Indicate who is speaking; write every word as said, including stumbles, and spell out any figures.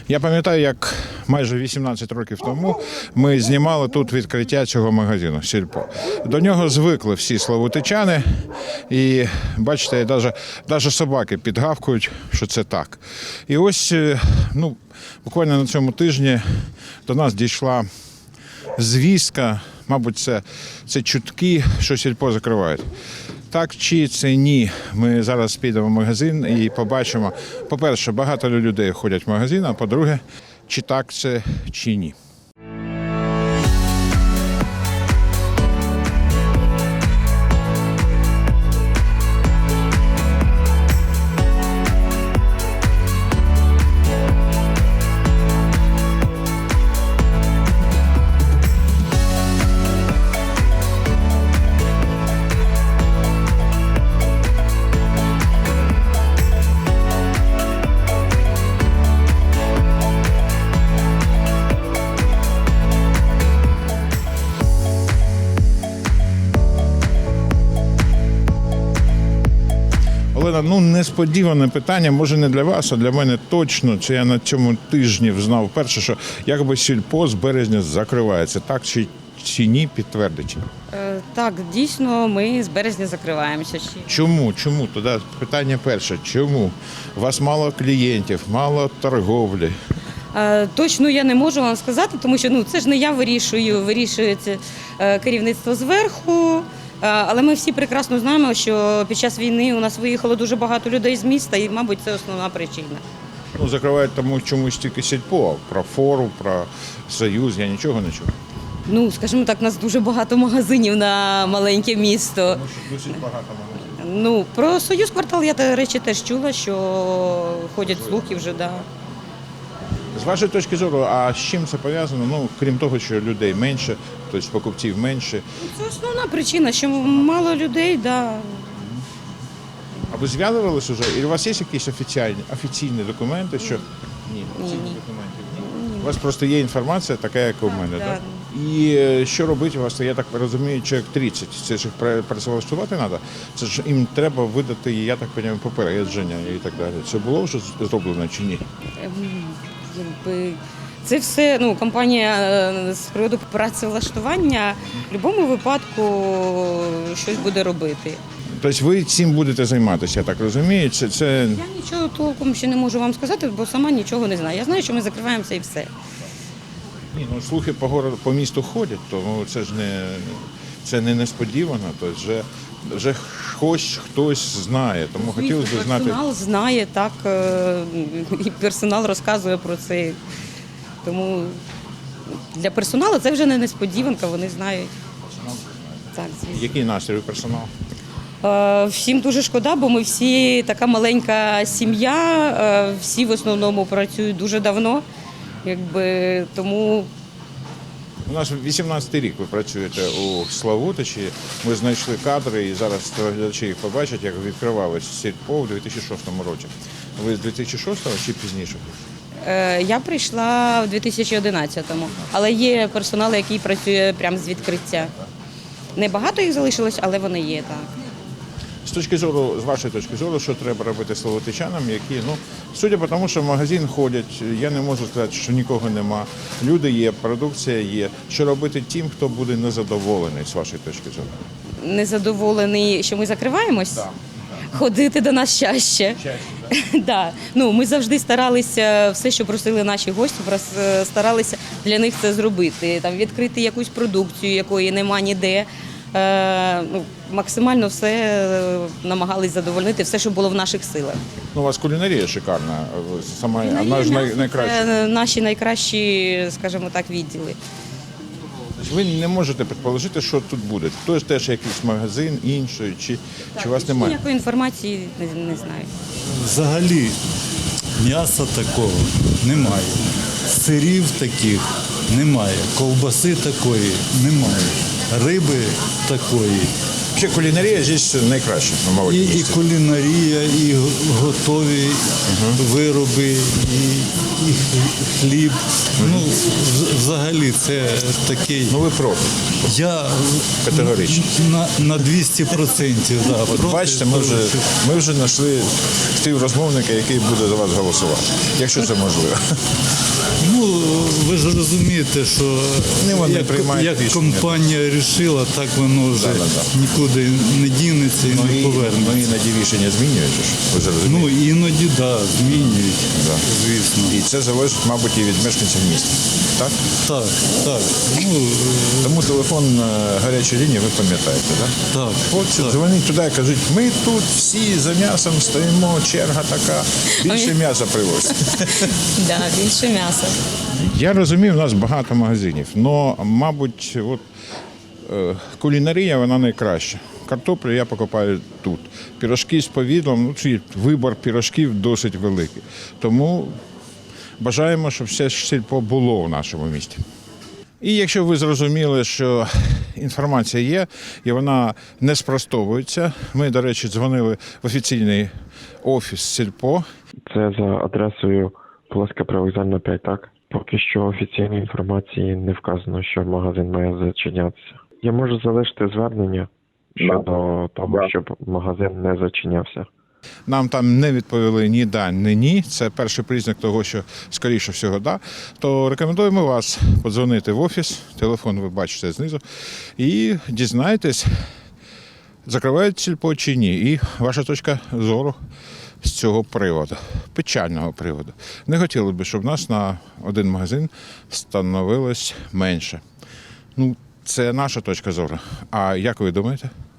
Speaker 1: Я пам'ятаю, як майже вісімнадцять років тому ми знімали тут відкриття цього магазину «Сільпо». До нього звикли всі славутичани, і бачите, навіть, навіть собаки підгавкують, що це так. І ось, ну, буквально на цьому тижні до нас дійшла звістка, мабуть, це, це чутки, що «Сільпо» закривають. Так чи це ні, ми зараз підемо в магазин і побачимо, по-перше, багато людей ходять в магазин, а по-друге, чи так це, чи ні. Олена, ну несподіване питання, може не для вас, а для мене точно. Це я на цьому тижні взнав перше, що якби «Сільпо» з березня закривається. Так чи, чи ні, підтвердить?
Speaker 2: Е, Так, дійсно, ми з березня закриваємося. ще.
Speaker 1: Чому? Чому? Тоді питання перше. Чому? У вас мало клієнтів, мало торговлі.
Speaker 2: Е, Точно я не можу вам сказати, тому що ну, це ж не я вирішую, вирішує це е, керівництво зверху. Е, Але ми всі прекрасно знаємо, що під час війни у нас виїхало дуже багато людей з міста, і, мабуть, це основна причина.
Speaker 1: Ну, закривають тому чомусь тільки «Сільпо», про «Фору», про «Союз», я нічого не чув.
Speaker 2: Ну, скажімо так, у нас дуже багато магазинів на маленьке місто.
Speaker 1: Тому що досить багато магазинів.
Speaker 2: Ну, про «Союз квартал» я, до речі, теж чула, що ходять слухи вже, да.
Speaker 1: З вашої точки зору, а з чим це пов'язано? Ну, крім того, що людей менше, тобто покупців менше.
Speaker 2: Це основна причина, що мало людей, да.
Speaker 1: А ви зв'язувалися вже? І у вас є якісь офіційні, офіційні документи, що ні, офіційних
Speaker 2: ні.
Speaker 1: документів ні. У вас просто є інформація така, як у мене,
Speaker 2: да.
Speaker 1: так? І е, що робити у вас, я так розумію, чоловік тридцять. Це ж їх пре- працевлаштувати треба? Це ж їм треба видати, я так розумію, попередження і так далі. Це було вже зроблено чи ні?
Speaker 2: Ем, Якби це все, ну, компанія е, з приводу працевлаштування в будь-якому випадку щось буде робити.
Speaker 1: Тобто ви цим будете займатися, я так розумію? Це, це...
Speaker 2: Я нічого толком ще не можу вам сказати, бо сама нічого не знаю. Я знаю, що ми закриваємося і все.
Speaker 1: Ні, ну слухи по городу, по місту ходять, тому це ж не це не несподівано. Тобто вже, вже хтось хтось знає. Тому хотілося б знати.
Speaker 2: Персонал знає, так, е, і персонал розказує про це. Тому для персоналу це вже не несподіванка, вони знають. Так, звісно.
Speaker 1: Який настрій у персоналу?
Speaker 2: Е, Всім дуже шкода, бо ми всі така маленька сім'я, е, всі в основному працюють дуже давно. Якби, тому
Speaker 1: У нас вісімнадцятий рік ви працюєте у Славутичі. Ми знайшли кадри і зараз глядачі їх побачать, як відкривалось «Сільпо» у дві тисячі шостому році. Ви з дві тисячі шостого чи пізніше?
Speaker 2: е, я прийшла в дві тисячі одинадцятому, але є персонал, який працює прямо з відкриття. Небагато їх залишилось, але вони є, так.
Speaker 1: З точки зору, з вашої точки зору, що треба робити славутичанам, які, ну, судя по тому, що в магазин ходять, я не можу сказати, що нікого нема. Люди є, продукція є. Що робити тим, хто буде незадоволений, з вашої точки зору?
Speaker 2: Незадоволений, що ми закриваємось? Ходити до нас чаще. Да. Ну, ми завжди старалися, все, що просили наші гості, прос- старалися для них це зробити. Там, відкрити якусь продукцію, якої нема ніде. Е, ну, максимально все е, намагались задовольнити, все, що було в наших силах.
Speaker 1: Ну, у вас кулінарія шикарна, сама одна з най- найкращих.
Speaker 2: Це наші найкращі, скажімо так, відділи.
Speaker 1: Ви не можете предположити, що тут буде. Хтось теж якийсь магазин, інший, чи, чи у вас немає?
Speaker 2: Ніякої інформації не, не знаю.
Speaker 3: Взагалі м'яса такого немає. Сирів таких немає. Ковбаси такої немає. Риби такої
Speaker 1: Взагалі кулінарія здесь найкраща, ну, мабуть.
Speaker 3: І, і
Speaker 1: місце.
Speaker 3: кулінарія, і го- готові вироби, і, і хліб. Ну, вз- взагалі це такий.
Speaker 1: Ну ви проти.
Speaker 3: Я
Speaker 1: Категорично.
Speaker 3: на, на двісті відсотків. Да,
Speaker 1: От
Speaker 3: проти
Speaker 1: бачите, ми вже,
Speaker 3: того, що-
Speaker 1: ми вже знайшли співрозмовника, який буде за вас голосувати, якщо це можливо.
Speaker 3: Ну, ви ж розумієте, що
Speaker 1: Не вони
Speaker 3: як,
Speaker 1: приймають
Speaker 3: як
Speaker 1: рішення.
Speaker 3: компанія вирішила, так воно вже
Speaker 1: Да-да-да.
Speaker 3: нікуди не дінеться і
Speaker 1: Ну,
Speaker 3: не
Speaker 1: і,
Speaker 3: повернеться.
Speaker 1: ну іноді рішення змінюють, ж, ви ж розумієте.
Speaker 3: Ну, іноді, так, да, змінюють,
Speaker 1: Да.
Speaker 3: звісно.
Speaker 1: І це залежить, мабуть, і від мешканців міста. Так?
Speaker 3: Так, так. Ну, е,
Speaker 1: Тому телефон е, гарячої лінії ви пам'ятаєте, так?
Speaker 3: так.
Speaker 1: От дзвоніть туди і кажуть, ми тут всі за м'ясом стоїмо, черга така, більше м'яса привозять.
Speaker 2: Да, більше м'яса.
Speaker 1: Я розумію, у нас багато магазинів, але, мабуть, от, е, кулінарія вона найкраща. Картоплю я покупаю тут. Пірожки з повідлом, ну, чи вибір пірожків досить великий. Тому бажаємо, щоб все сільпо було в нашому місті. І якщо ви зрозуміли, що інформація є і вона не спростовується, ми, до речі, дзвонили в офіційний офіс сільпо.
Speaker 4: Це за адресою Полоська Привокзальна п'ять, так? Поки що офіційної інформації не вказано, що магазин має зачинятися. Я можу залишити звернення щодо того, щоб магазин не зачинявся.
Speaker 1: Нам там не відповіли ні да, ні ні. Це перший признак того, що скоріше всього да. То рекомендуємо вас подзвонити в офіс, телефон ви бачите знизу, і дізнайтесь, закривають сільпо чи ні. І ваша точка зору з цього приводу, печального приводу. Не хотіли б, щоб нас на один магазин становилось менше. Ну, це наша точка зору. А як ви думаєте?